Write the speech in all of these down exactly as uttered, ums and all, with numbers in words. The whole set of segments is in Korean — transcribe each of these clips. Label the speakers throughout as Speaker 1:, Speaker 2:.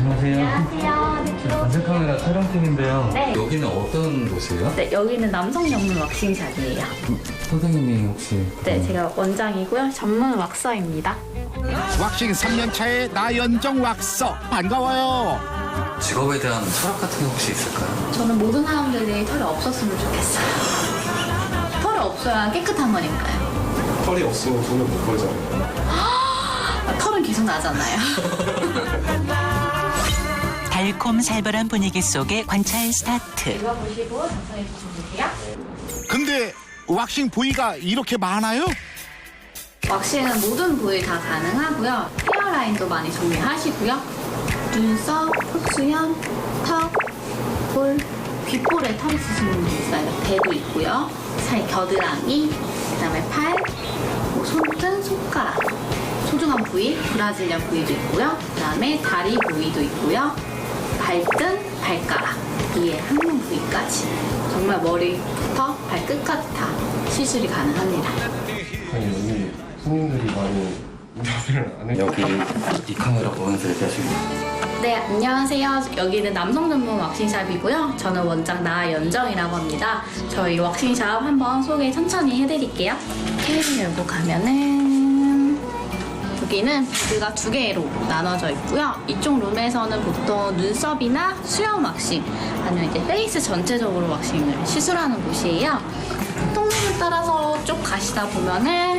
Speaker 1: 안녕하세요.
Speaker 2: 안녕하세요.
Speaker 1: 관세카메라 촬영팀인데요.
Speaker 2: 네.
Speaker 1: 여기는 어떤 곳이에요?
Speaker 2: 네, 여기는 남성 전문 왁싱샵이에요.
Speaker 1: 선생님이 혹시?
Speaker 2: 네, 제가 원장이고요. 전문 왁서입니다.
Speaker 3: 왁싱 삼 년 차의 나연정 왁서 반가워요.
Speaker 1: 직업에 대한 철학 같은 게 혹시 있을까요?
Speaker 2: 저는 모든 사람들이 털이 없었으면 좋겠어요. 털이 없어야 깨끗한 거니까요.
Speaker 4: 털이 없으면 돈을 못 벌잖아요.
Speaker 2: 아, 털은 계속 나잖아요.
Speaker 5: 달콤 살벌한 분위기 속에 관찰 스타트.
Speaker 2: 이거 보시고 작성해 주시면 돼요.
Speaker 3: 근데 왁싱 부위가 이렇게 많아요?
Speaker 2: 왁싱은 모든 부위 다 가능하고요. 헤어라인도 많이 정리하시고요. 눈썹, 흑수염, 턱, 볼, 귓볼에 털 있으신 분도 있어요. 대도 있고요. 사이 겨드랑이, 그다음에 팔, 뭐 손등, 손가락, 소중한 부위, 브라질리안 부위도 있고요. 그다음에 다리 부위도 있고요. 발등, 발가락, 이에 항문 부위까지 정말 머리부터 발끝까지 다 시술이 가능합니다.
Speaker 4: 아니 여기 손님들이 많이 인터뷰를 안 해요.
Speaker 1: 여기 이 카메라 보면서 얘기하시면
Speaker 2: 네, 안녕하세요. 여기는 남성 전문 왁싱샵이고요. 저는 원장 나연정이라고 합니다. 저희 왁싱샵 한번 소개 천천히 해드릴게요. 케이블 열고 가면은 여기는 부드가 두 개로 나눠져 있고요. 이쪽 룸에서는 보통 눈썹이나 수염 왁싱 아니면 이제 페이스 전체적으로 왁싱을 시술하는 곳이에요. 통로를 따라서 쭉 가시다 보면은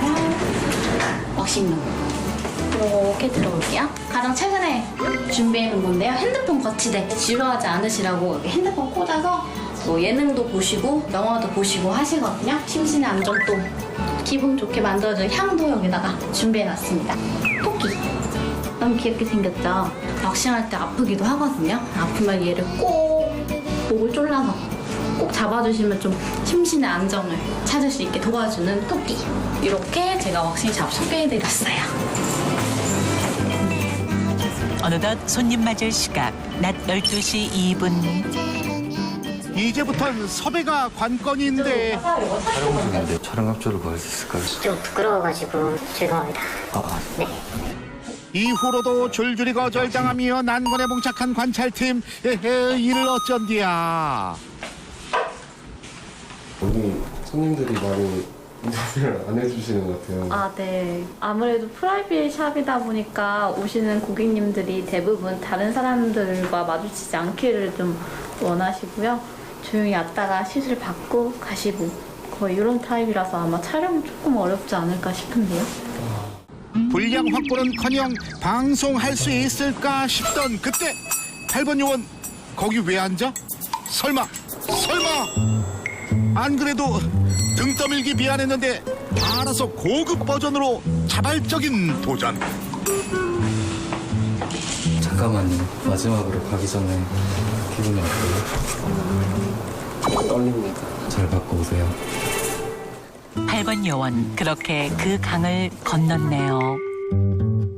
Speaker 2: 왁싱룸 이렇게 들어올게요. 가장 최근에 준비해 놓은 건데요. 핸드폰 거치대 지루하지 않으시라고 핸드폰 꽂아서 뭐 예능도 보시고 영화도 보시고 하시거든요. 심신의 안정도 기분 좋게 만들어줄 향도 여기다가 준비해 놨습니다. 토끼 너무 귀엽게 생겼죠? 왁싱할 때 아프기도 하거든요. 아프면 얘를 꼭 목을 졸라서 꼭 잡아주시면 좀 심신의 안정을 찾을 수 있게 도와주는 토끼. 이렇게 제가 왁싱샵 소개해드렸어요.
Speaker 5: 어느덧 손님 맞을 시각. 낮 열두 시 이 분.
Speaker 3: 이제부턴 섭외가 관건인데
Speaker 1: 촬영 중인데 촬영 협조를 구할 수 있을까요?
Speaker 6: 좀 부끄러워가지고 죄송합니다.
Speaker 1: 아,
Speaker 6: 네.
Speaker 3: 이후로도 줄줄이 거절당하며 난관에 봉착한 관찰팀. 에헤, 이를 어쩐디야.
Speaker 4: 여기 손님들이 많이 인터뷰를 안 해주시는 것 같아요.
Speaker 2: 아, 네. 아무래도 프라이빗 샵이다 보니까 오시는 고객님들이 대부분 다른 사람들과 마주치지 않기를 좀 원하시고요. 조용히 왔다가 시술 받고 가시고 거의 이런 타입이라서 아마 촬영 조금 어렵지 않을까 싶은데요.
Speaker 3: 분량 확보는커녕 방송할 수 있을까 싶던 그때 팔 번 요원 거기 왜 앉아? 설마 설마 안 그래도 등 떠밀기 미안했는데 알아서 고급 버전으로 자발적인 도전.
Speaker 1: 잠깐만요. 마지막으로 가기 전에 기분이 어때요?
Speaker 4: 떨립니다.
Speaker 1: 잘 받고 오세요.
Speaker 5: 팔 번 요원 그렇게 그 강을 건넜네요.